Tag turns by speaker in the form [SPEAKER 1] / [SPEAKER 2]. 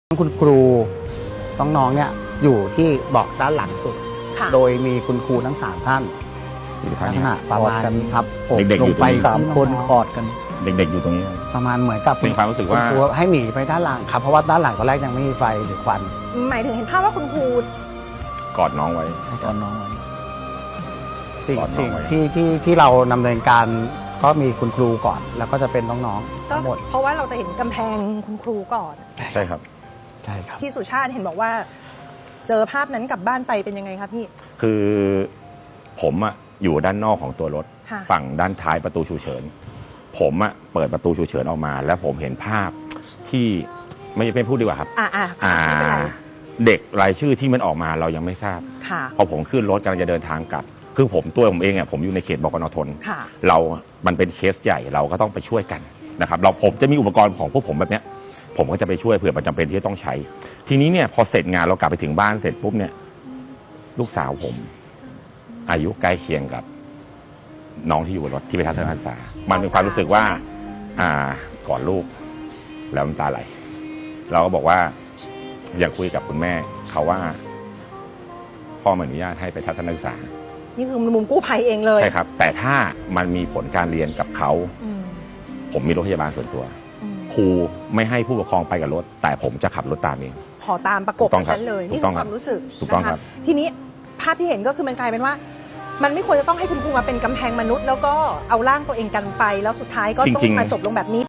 [SPEAKER 1] คุณครูน้องๆเนี่ยอยู่ที่เบาะด้านหลังสุด โดยมีคุณครูทั้ง3ท่านลักษณะประมาณนี้ครับผม
[SPEAKER 2] เด็กๆ
[SPEAKER 1] ล
[SPEAKER 2] อง ยู่ต
[SPEAKER 1] ไป
[SPEAKER 2] รงนี้
[SPEAKER 1] 3 คนกอดกัน
[SPEAKER 2] เด็กๆอยู่ตรงนี้
[SPEAKER 1] ประมาณเหมือนกับ
[SPEAKER 2] เป็นความรู้สึกว่า
[SPEAKER 1] คุณครูให้หนีไปด้านหลังครับเพราะว่าด้านหลังตอนแรกยังไม่มีไฟหรือควัน
[SPEAKER 3] หมายถึงเห็นภาพว่าคุณครู
[SPEAKER 2] กอดน้องไว้
[SPEAKER 1] ตอนน้องสิ่ง
[SPEAKER 2] กอดน้อง
[SPEAKER 1] สิ่ง
[SPEAKER 2] ไว้
[SPEAKER 1] ที่เราดำเนินการก็มีคุณครูก่อน แล้วก็จะเป็นน้องๆ
[SPEAKER 3] ก็
[SPEAKER 1] ทั้งหมด
[SPEAKER 3] เพราะว่าเราจะเห็นกำแพงคุณครูก่อน
[SPEAKER 2] ใช่ครับ
[SPEAKER 1] ใช่ครับ
[SPEAKER 3] พี่สุชาติเห็นบอกว่า เจอภาพนั้นกลับบ้านไปเป็นยังไงคะพี่
[SPEAKER 2] คือผมอะอยู่ด้านนอกของตัวรถ
[SPEAKER 3] ค่ะ
[SPEAKER 2] ฝั่งด้านท้ายประตูฉุกเฉินผมอะเปิดประตูฉุกเฉินออกมา แล้วผมเห็นภาพที่ไม่พูดดีกว่าครับ
[SPEAKER 3] ไม่เป็นไร
[SPEAKER 2] เด็กรายชื่อที่มันออกมาเรายังไม่ทราบ
[SPEAKER 3] ค่ะ
[SPEAKER 2] พอผมขึ้นรถกำลังจะเดินทางกลับคือตัวผมเองอะผมอยู่ในเขตบกนทน
[SPEAKER 3] ค่ะ
[SPEAKER 2] มันเป็นเคสใหญ่เราก็ต้องไปช่วยกันนะครับผมจะมีอุปกรณ์ของพวกผมแบบเนี้ยผมก็จะไปช่วยเผื่อมันจำเป็นที่จะต้องใช้ ทีนี้เนี่ยพอเสร็จงานเรากลับไปถึงบ้านเสร็จปุ๊บเนี่ยลูกสาวผมอายุใกล้เคียงกับน้องที่อยู่บนรถที่ไปทัศนศึกษามันเป็นความรู้สึกว่าก่อนลูกแล้วน้ำตาไหลเราก็บอกว่าอยากคุยกับคุณแม่เขาว่าพ่อไม่อนุญาตให้ไปทัศนศึกษา
[SPEAKER 3] นี่คือมุมกู้ภัยเองเลย
[SPEAKER 2] ใช่ครับแต่ถ้ามันมีผลการเรียนกับเขา
[SPEAKER 3] อืม
[SPEAKER 2] ผมมีรถพยาบาลส่วนตัว
[SPEAKER 3] อืม
[SPEAKER 2] ครูไม่ให้ผู้ปกครองไปกับรถ แต่ผมจะขับรถตามเอง
[SPEAKER 3] ขอตามประกบ
[SPEAKER 2] ถูกต้องครับ
[SPEAKER 3] นั้นเลย
[SPEAKER 2] ถู
[SPEAKER 3] นี่
[SPEAKER 2] ก
[SPEAKER 3] คื
[SPEAKER 2] ต้อง
[SPEAKER 3] อ
[SPEAKER 2] ค
[SPEAKER 3] ครับ วามรู้สึก
[SPEAKER 2] ถูกต้อง
[SPEAKER 3] นะะ
[SPEAKER 2] ครับ
[SPEAKER 3] ทีนี้ภาพที่เห็นก็คือมันกลายเป็นว่า มันไม่ควรจะต้องให้คุณครูมาเป็นกำแพงมนุษย์ แล้วก็เอาร่างตัวเองกันไฟแล้วสุดท้ายก็ต้องมาจบลงแบบนี้